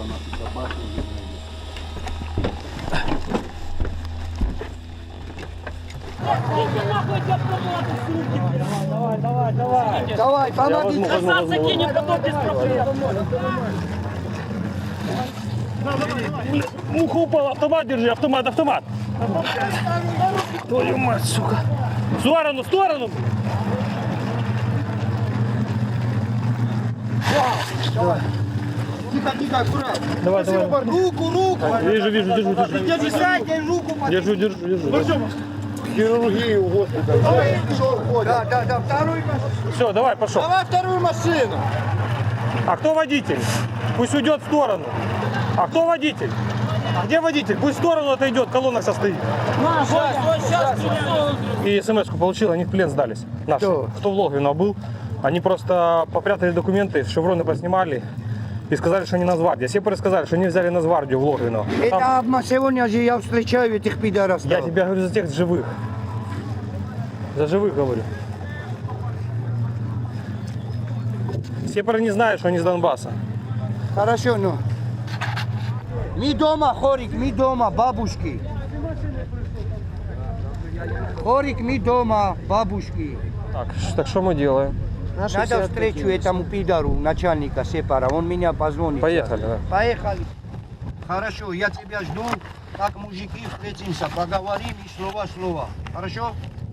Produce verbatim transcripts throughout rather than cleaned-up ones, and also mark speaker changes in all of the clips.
Speaker 1: наши собаки.
Speaker 2: Давай, давай, давай.
Speaker 3: Давай, помоги.
Speaker 2: Назад закинем, потом без проблем. Муха упала, автомат держи, автомат, автомат. Твою мать, сука. В сторону, в сторону.
Speaker 3: Тихо, тихо, аккуратно.
Speaker 2: Давай, давай.
Speaker 3: Руку, руку.
Speaker 2: Вижу, вижу, держу, держу.
Speaker 3: Держи заднюю руку.
Speaker 2: Держу, держу, держу.
Speaker 1: Хирургию госпиталя.
Speaker 3: Да, да, да, вторую машину.
Speaker 2: Все, давай, пошел.
Speaker 3: Давай вторую машину.
Speaker 2: А кто водитель? Пусть уйдет в сторону. А кто водитель? А где водитель? Пусть в сторону отойдет, колонна состоит. И смс-ку получил, они в плен сдались. Наши.
Speaker 3: Кто?
Speaker 2: Кто в Логвино был. Они просто попрятали документы, шевроны поснимали и сказали, что они на Зварде. Сепары сказали, что они взяли на Звардию в Логвино.
Speaker 3: Это обма- сегодня же я встречаю этих пидоров.
Speaker 2: Я тебя говорю за тех живых. За живых говорю. Сепары не знают, что они с Донбасса.
Speaker 3: Хорошо, ну. Мы дома, Хорик, мы дома, бабушки. Хорик, мы дома, бабушки.
Speaker 2: Так, ш- так что мы делаем?
Speaker 3: Надо встречу этому пидору, начальника Сепара. Он меня позвонит.
Speaker 2: Поехали, да.
Speaker 3: Поехали. Хорошо, я тебя жду, как мужики встретимся, поговорим и слово-слово. Хорошо?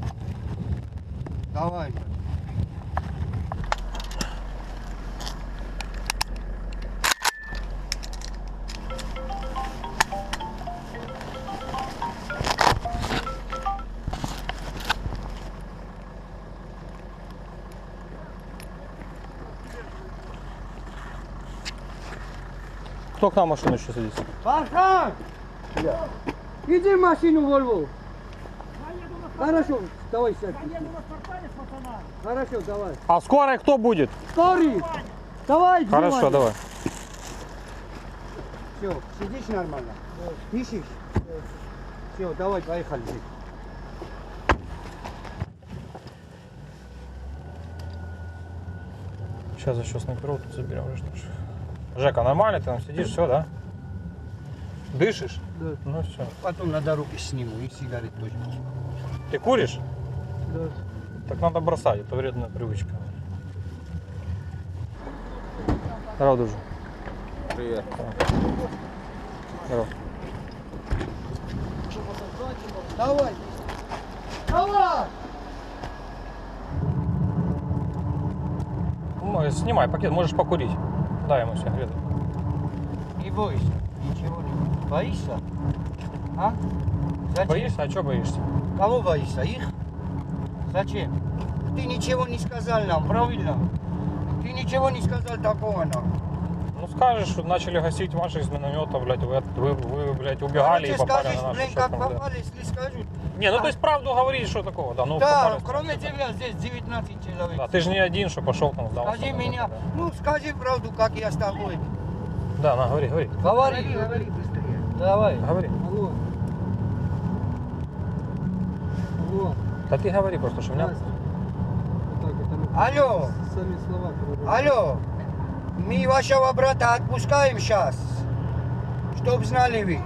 Speaker 3: Давай.
Speaker 2: Кто к нам в машину еще садится?
Speaker 3: Фархан! Иди в машину, Вольву. Хорошо, давай сядь. Хорошо, давай.
Speaker 2: А скорая кто будет?
Speaker 3: Скорый! Давай,
Speaker 2: Хорошо, давай.
Speaker 3: Все, сидишь нормально? Пишешь? Все, давай, поехали.
Speaker 2: Сейчас еще снайперов тут заберем. Что ж. Жека, нормально ты там сидишь, все, да? Дышишь?
Speaker 3: Да.
Speaker 2: Ну все.
Speaker 3: Потом на дороге сниму и сигарет тоже.
Speaker 2: Ты куришь?
Speaker 3: Да.
Speaker 2: Так надо бросать, это вредная привычка. Здорово, друже.
Speaker 1: Привет.
Speaker 2: Здорово.
Speaker 3: Давай! Давай!
Speaker 2: Ну, снимай пакет, можешь покурить. Дай ему сигарету.
Speaker 3: Не бойся, ничего не бойся. Боишься? А? Зачем?
Speaker 2: Боишься? А что боишься?
Speaker 3: Кого боишься? Их? Зачем? Ты ничего не сказал нам, правильно? Ты ничего не сказал такого нам.
Speaker 2: Ну скажешь, что начали гасить ваши из миномета, блядь, вы, вы, вы блядь, убегали и
Speaker 3: Короче,
Speaker 2: попали
Speaker 3: скажешь,
Speaker 2: на нашу
Speaker 3: блин,
Speaker 2: шеф,
Speaker 3: как
Speaker 2: да.
Speaker 3: попали, если скажут.
Speaker 2: Не, ну то есть правду говорить, что такого, да, ну
Speaker 3: Да,
Speaker 2: попали.
Speaker 3: кроме тебя здесь девятнадцать человек.
Speaker 2: Да, ты же не один, что пошел там сдался.
Speaker 3: Скажи
Speaker 2: да,
Speaker 3: меня,
Speaker 2: да.
Speaker 3: ну скажи правду, как я с тобой.
Speaker 2: Да, на, говори, говори.
Speaker 3: Говори, говори быстрее. Давай.
Speaker 2: Говори.
Speaker 3: Алло. Алло.
Speaker 2: Да ты говори просто, что у меня...
Speaker 3: Алло.
Speaker 4: Сами слова.
Speaker 3: Алло. Мы вашего брата отпускаем сейчас. Чтоб знали вы.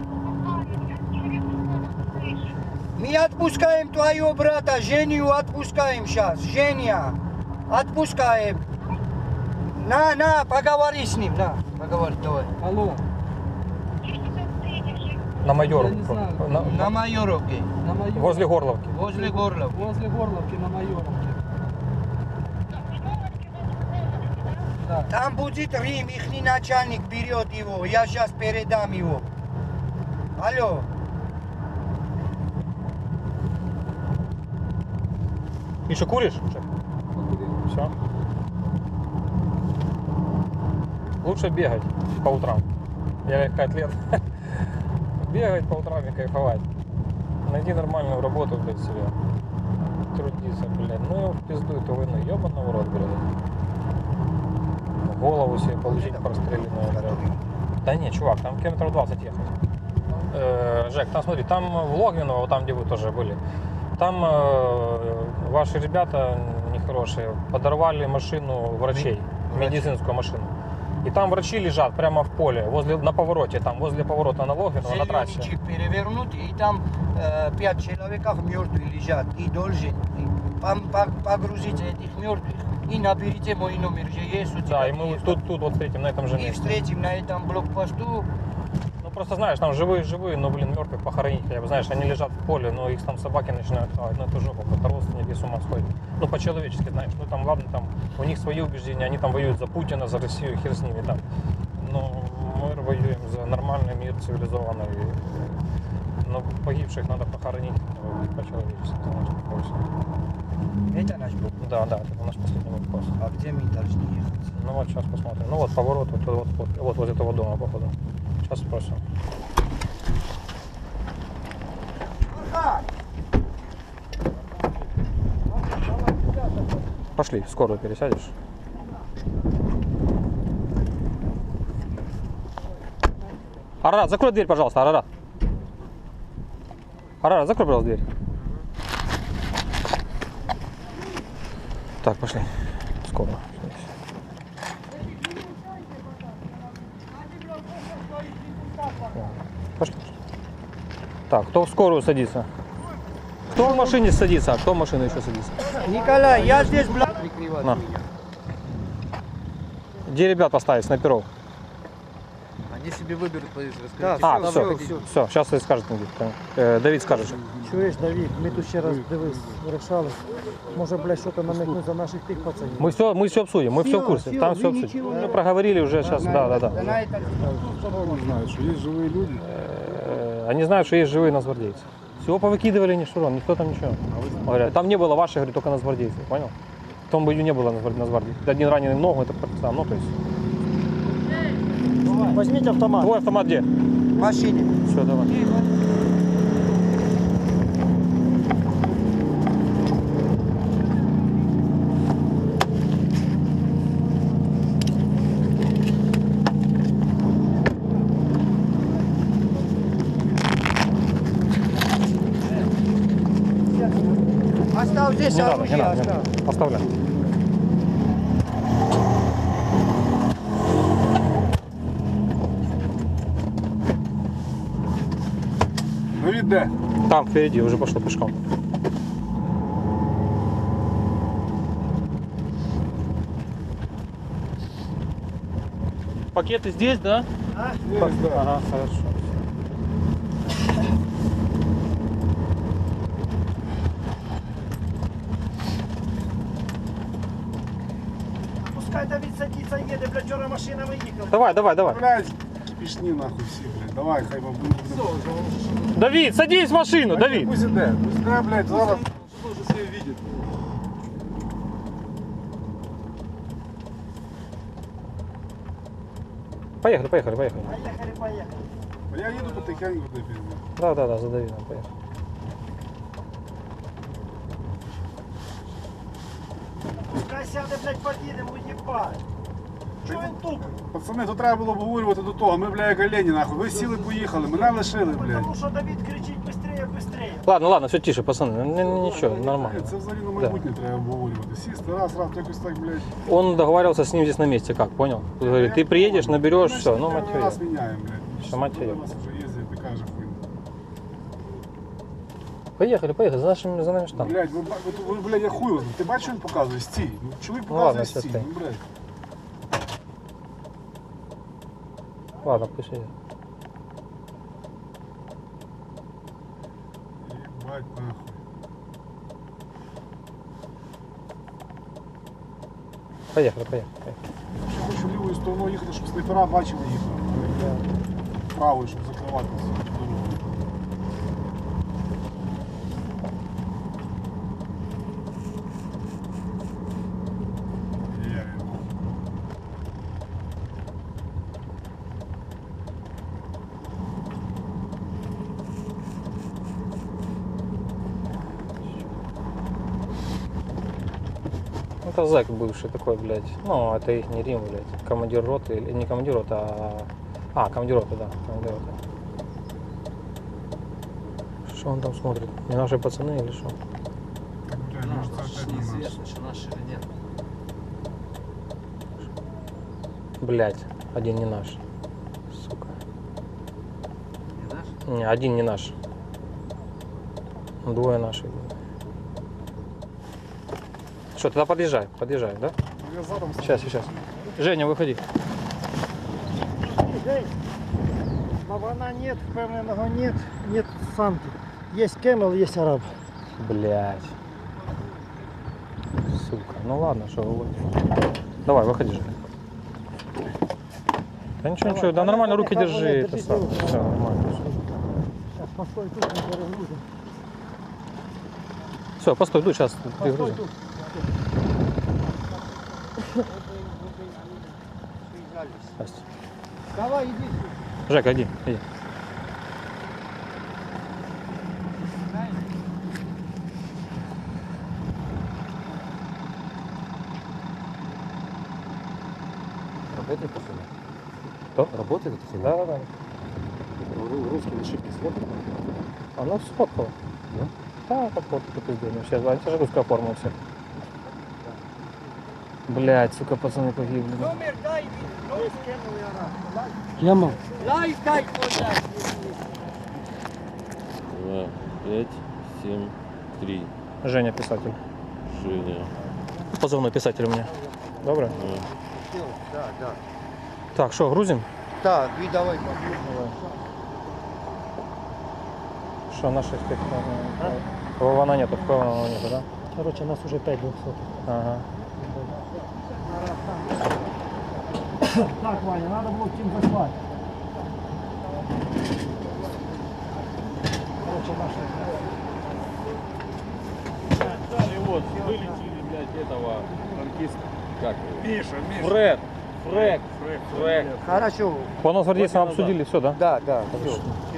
Speaker 3: Мы отпускаем твоего брата, Женю отпускаем сейчас. Женя. Отпускаем. На, на, поговори с ним, на, поговори, давай.
Speaker 4: Алло,
Speaker 2: На майору.
Speaker 4: Я не знаю.
Speaker 2: На-
Speaker 3: На Майоровке,
Speaker 4: на Майоровке.
Speaker 2: возле Горловки.
Speaker 3: возле горла.
Speaker 4: Возле Горловки на Майоровке. Да.
Speaker 3: Там будет Рим, ихний начальник берет его, я сейчас передам его. Алло.
Speaker 2: Еще куришь? Все. Лучше бегать по утрам. Я легкоатлет. Бегать по утрам и кайфовать. Найди нормальную работу, блядь, себе. Трудиться, блядь. Ну его в пизду эту войну. Ёбаный в рот, блядь. Голову себе получить простреленную, блядь. Да не, чувак, там километров двадцать ехать. Э, Жек, там смотри, там в Логвиново, вот там, где вы тоже были, там э, ваши ребята нехорошие подорвали машину врачей, медицинскую машину. И там врачи лежат прямо в поле, возле, на повороте, там, возле поворота на Логвину, на
Speaker 3: Зеленый
Speaker 2: трассе.
Speaker 3: джип перевернутый, и там э, пять человек мертвых лежат. И должен пом- по- погрузить этих мертвых. И наберите мой номер, же есть у тебя.
Speaker 2: Да, и мы вот
Speaker 3: телефон.
Speaker 2: тут, тут вот встретим, на этом же
Speaker 3: И
Speaker 2: месте.
Speaker 3: встретим на этом блокпосту.
Speaker 2: Ну просто знаешь, там живые-живые, но, блин, мертвых похоронить. Я, знаешь, они лежат в поле, но их там собаки начинают хавать. Ну это жопа, просто родственники с ума сходят. Ну по-человечески, знаешь. Ну там, ладно, там у них свои убеждения, они там воюют за Путина, за Россию, хер с ними там. Но мы воюем за нормальный мир, цивилизованный. Но погибших надо похоронить э, по-человечески, знаешь, такое всё.
Speaker 3: Это наш блок.
Speaker 2: Да, да, это наш последний вопрос.
Speaker 3: А где мы должны ехать?
Speaker 2: Ну вот сейчас посмотрим. Ну вот поворот, вот, вот, вот, вот возле этого дома, походу. Сейчас спросим. Пошли, в скорую пересядешь. Арарат, закрой дверь, пожалуйста, Арарат. Арарат, закрой, пожалуйста, дверь. Так, пошли. Скорую. Пошли. Так, кто в скорую садится? Кто в машине садится, а кто в машину еще садится?
Speaker 3: Николай, я здесь, блядь, прикрываю.
Speaker 2: На. Где ребят поставить, снайперов?
Speaker 4: Они себе выберут позицию.
Speaker 3: Да,
Speaker 2: А,
Speaker 3: Всё,
Speaker 2: все,
Speaker 3: всё,
Speaker 2: все, сейчас и скажет. Э, Давид скажет.
Speaker 5: Чуєш, Давід, ми тут ще раз дивись, вирішали. Може, блядь, що-то намекнуть за наших тих пацанів.
Speaker 2: Мы все, мы все обсудим, мы все в
Speaker 3: Всё,
Speaker 2: курсе.
Speaker 3: всё,
Speaker 2: Там
Speaker 3: вы
Speaker 2: все обсудим.
Speaker 3: ничего
Speaker 2: Мы
Speaker 3: не-
Speaker 2: проговорили уже сейчас, да, да, да.
Speaker 3: На это
Speaker 1: Он знает, что есть живые люди.
Speaker 2: Э, Они знают, что есть живые нацгвардейцы. Всего повыкидывали, ни шурон, никто там ничего. Говорят, там не было ваших, говорю, только нацгвардейцев, понял? В том бою не было нацгвар- нацгвардейцев. Один раненый в ногу, это партизан, ну то есть.
Speaker 5: Візьміть автомат.
Speaker 2: Твой автомат где?
Speaker 3: в машине.
Speaker 2: Все, давай.
Speaker 3: Оставь здесь
Speaker 2: Не надо, не
Speaker 3: оружие,
Speaker 2: надо, не
Speaker 3: оставь.
Speaker 2: надо. Оставляй.
Speaker 1: Давид, де?
Speaker 2: Там впереди, уже пошел пешком. Пакеты здесь, да?
Speaker 1: Есть, да.
Speaker 2: Ага, хорошо.
Speaker 5: Пускай Давід садиться, їде, блядь, вчора машина виїхала.
Speaker 2: Давай, давай, давай.
Speaker 1: Блядь, кипішні нахуй всі, блядь. Давай, хай вам буде.
Speaker 2: Давид, садись в машину, Давид.
Speaker 1: Пусть іде, пусть іде, блядь, зараз.
Speaker 2: Поехали, поехали, поехали.
Speaker 5: Поїхали, поїхали.
Speaker 1: А я їду потихеньку, де пізно.
Speaker 2: Да, да, да, за Давидом, поехали.
Speaker 5: Пускай сяде, блядь, поїдемо, уїбать. Чого він тупить?
Speaker 1: Пацани, то треба було обговорювати до того. Ми, бля, як олені, нахуй. Ви сіли, поїхали, мене лишили, блядь.
Speaker 5: Тому що Давід кричить быстрее, быстрее.
Speaker 2: Ладно, ладно, все тише, пацаны, ну, не- не- ничего, нормально.
Speaker 1: Це взагалі на майбутнє треба обговорювати. Сісти, раз, раз, якось так, блядь.
Speaker 2: Он договаривался с ним здесь на месте, как, понял? Говорит, ты приедешь, наберешь,
Speaker 1: Ми ж
Speaker 2: все, ну
Speaker 1: первый
Speaker 2: мать её.
Speaker 1: раз міняємо, блядь.
Speaker 2: Що, мать
Speaker 1: Коли
Speaker 2: її?
Speaker 1: нас вже їздить, така же хуйня.
Speaker 2: Поехали, поехали, за, нашим, за нами штамп.
Speaker 1: Блядь, ви, ба- ви, ви, блядь, я хуй возьму. Ти бачиш, що він показує? Стій. Ну, чоловік
Speaker 2: Ну, ладно,
Speaker 1: показує
Speaker 2: все,
Speaker 1: стій.
Speaker 2: стій.
Speaker 1: Ну, блядь.
Speaker 2: Ладно, пусть едет.
Speaker 1: Єбать, нахуй.
Speaker 2: Поехали, поехали, поехали.
Speaker 1: Я хочу лівою стороною їхати, щоб снайпера бачили їх. Правою, щоб закривати всю дорогу. Я його.
Speaker 2: Ну, это зэк бывший такой, блядь. Ну, это их не Рим, блядь. Командир роты, или не командир роты, а... А, командир роты, да, командир роты. Что он там смотрит? Не наши пацаны или что?
Speaker 1: Так, блядь, може це опять не наш.
Speaker 4: что наши или нет.
Speaker 2: Блядь. Один не наш. Сука.
Speaker 4: Не наш?
Speaker 2: Не, один не наш. Двое наших. Что, тогда подъезжай, подъезжай, да?
Speaker 1: Я задом
Speaker 2: Сейчас, сейчас. Женя, выходи.
Speaker 5: День. Лавана нет, впевненого нет, нет санки. Есть кемел, есть араб.
Speaker 2: Блять. Сука. Ну ладно, что вы. Давай, выходи же. Да ничего,
Speaker 5: Давай,
Speaker 2: ничего, да
Speaker 5: давай,
Speaker 2: нормально,
Speaker 5: давай,
Speaker 2: руки
Speaker 5: давай,
Speaker 2: держи,
Speaker 5: давай,
Speaker 2: это
Speaker 5: держи
Speaker 2: самое.
Speaker 5: руки.
Speaker 2: Все, нормально.
Speaker 5: Сейчас, постой тут, мы перегрузим.
Speaker 2: Все, постой, иду, сейчас
Speaker 5: Постой
Speaker 2: перегрузим.
Speaker 5: тут.
Speaker 2: Здрасте.
Speaker 3: Давай, иди.
Speaker 2: Жека, иди, иди.
Speaker 4: Работает машина?
Speaker 2: Кто?
Speaker 4: Работает эта
Speaker 2: Да, да, да.
Speaker 1: Русские ошибки сфоткали.
Speaker 2: Она сфоткала.
Speaker 4: Да?
Speaker 2: Да, как вот это пиздец. Сейчас, это же русская форма у всех. Блять, сука, пацаны погибли.
Speaker 3: Номер дай, номер.
Speaker 5: Кемел.
Speaker 3: Лайк дай, дай.
Speaker 6: Два, пять, семь, три.
Speaker 2: Женя, писатель.
Speaker 6: Женя.
Speaker 2: Позывной писатель у меня. Добре?
Speaker 6: Да.
Speaker 3: Да, да.
Speaker 2: Так, что, грузим?
Speaker 3: Так, и давай.
Speaker 2: Что, наших тих? Вована нету, впевненого нету, да?
Speaker 5: Короче, нас уже пять двухсот.
Speaker 2: Ага.
Speaker 5: Так, Ваня, надо было чем заслать. Короче, наши.
Speaker 6: И вот, вылетели, блядь, этого танкиста. Как его? Миша, Миша. Фред. Фред. Фред. Фред.
Speaker 3: Хорошо.
Speaker 2: По нас гвардейцам обсудили все, да?
Speaker 3: Да, да, все.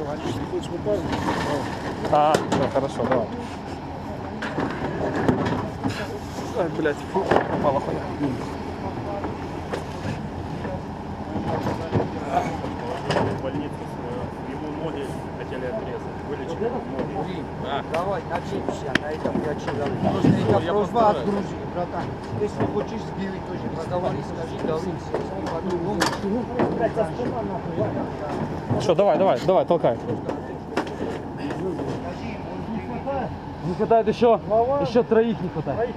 Speaker 2: А, да, хорошо, давай. Ай, блядь, фу, попала хуйня.
Speaker 6: В больницу ему ноги хотели отрезать. Вылечили ноги. Да.
Speaker 3: Давай, начнемся на этом я человек. Просто это
Speaker 6: я
Speaker 3: просьба
Speaker 6: постараюсь.
Speaker 3: от Грузии, братан. Если хочешь сбили, тоже поговори, скажи, давай. По-другому.
Speaker 2: Что, давай, давай, давай, толкай.
Speaker 5: Не хватает еще, еще троих не хватает.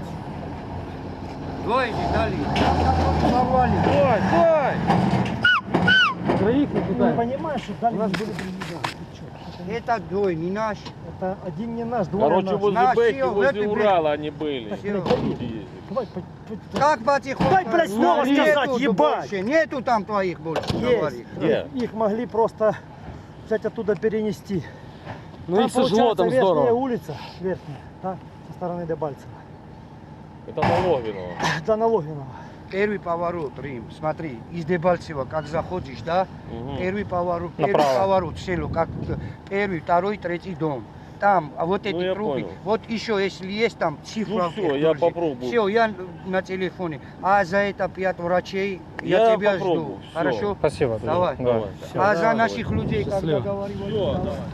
Speaker 3: Двое дали. Порвали.
Speaker 2: Давай, давай!
Speaker 5: Троих не хватает. Ты понимаешь, что дали у нас были
Speaker 3: Это двое, не наш.
Speaker 5: Это один не наш, двое
Speaker 6: Короче,
Speaker 5: наш.
Speaker 6: возле
Speaker 3: Наши,
Speaker 6: Бэки,
Speaker 3: в
Speaker 6: возле
Speaker 3: этой
Speaker 6: Урала они были.
Speaker 3: Всё.
Speaker 6: Люди ездили.
Speaker 5: Давай, по- по-
Speaker 3: Как потихоньку?
Speaker 5: Дай, блядь, слово
Speaker 3: Нету
Speaker 5: сказать,
Speaker 3: тут
Speaker 5: ебать.
Speaker 3: больше, нету там твоих больше.
Speaker 5: Есть.
Speaker 3: Говори.
Speaker 6: Где?
Speaker 5: Их могли просто взять оттуда перенести.
Speaker 4: Ну
Speaker 5: Там,
Speaker 4: их тяжело,
Speaker 5: получается,
Speaker 4: там
Speaker 5: верхняя
Speaker 4: здорово.
Speaker 5: улица, верхняя, да, со стороны Дебальцева.
Speaker 6: Это Налогиново.
Speaker 5: До Налогинова.
Speaker 3: Первый поворот, Рим. Смотри, из Дебальцева, как заходишь, да?
Speaker 6: Мгм.
Speaker 3: Первый поворот, первый
Speaker 2: Направо.
Speaker 3: поворот, село, как первый, второй, третий дом. Там, а вот эти
Speaker 6: я
Speaker 3: круги.
Speaker 6: понял.
Speaker 3: Вот еще, если есть там цифра.
Speaker 6: Ну всё, я попробую.
Speaker 3: Все, я на телефоне. А за это пять врачей, я,
Speaker 6: Я
Speaker 3: тебя
Speaker 6: попробую,
Speaker 3: жду.
Speaker 6: всё.
Speaker 3: Хорошо?
Speaker 2: Спасибо. друзья.
Speaker 3: Давай.
Speaker 2: Давай.
Speaker 6: Давай.
Speaker 2: Всё.
Speaker 3: А за
Speaker 6: давай.
Speaker 3: наших людей, как
Speaker 5: Счастливо.
Speaker 3: договаривались,
Speaker 6: Все,
Speaker 3: давай.
Speaker 6: давай.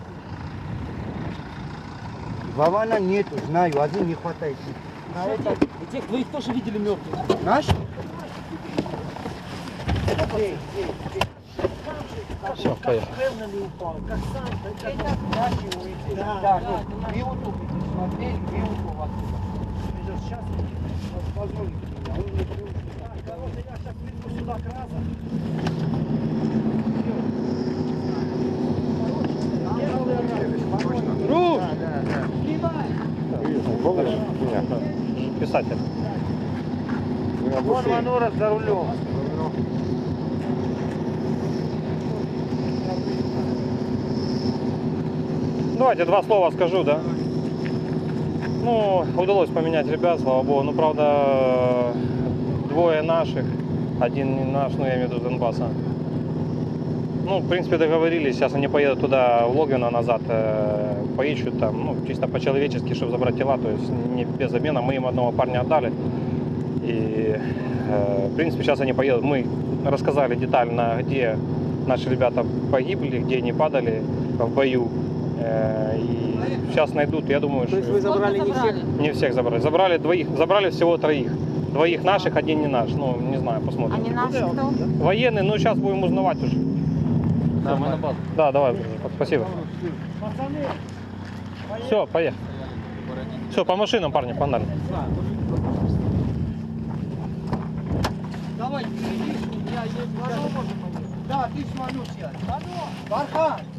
Speaker 3: Вована нету, знаю, один не хватает. На это
Speaker 4: И тех двоих тоже видели мертвых.
Speaker 3: наш?
Speaker 2: Все, поехали.
Speaker 3: Это наши улицы. Да, ну, Виуту смотрели, Виуту оттуда.
Speaker 5: Сейчас позвонит меня, он мне приучил. Короче, я сейчас приду сюда к разу.
Speaker 2: Руш! Писатель.
Speaker 3: Вон Манура за рулем.
Speaker 2: Давайте два слова скажу, да? Ну, удалось поменять ребят, слава богу. Ну, правда, двое наших, один не наш, ну, я имею в виду с Донбасса. Ну, в принципе, договорились, сейчас они поедут туда, в Логвино назад, э, поищут там, ну, чисто по-человечески, чтобы забрать тела, то есть не без обмена. Мы им одного парня отдали. И, э, в принципе, сейчас они поедут. Мы рассказали детально, где наши ребята погибли, где они падали в бою. Э, и сейчас найдут, я думаю,
Speaker 4: То есть
Speaker 2: что...
Speaker 4: вы забрали не всех?
Speaker 2: Не всех забрали. Забрали двоих, забрали всего троих. Двоих наших, один не наш. Ну, не знаю, посмотрим.
Speaker 7: Они наши кто?
Speaker 2: Военный, ну сейчас будем узнавать уже.
Speaker 4: Да, мы на базу.
Speaker 2: Да, давай, спасибо. Все, поехали. Все, по машинам, парни, погнали.
Speaker 3: Давай, впереди, я есть. Да, ты с Манусия. Бархан.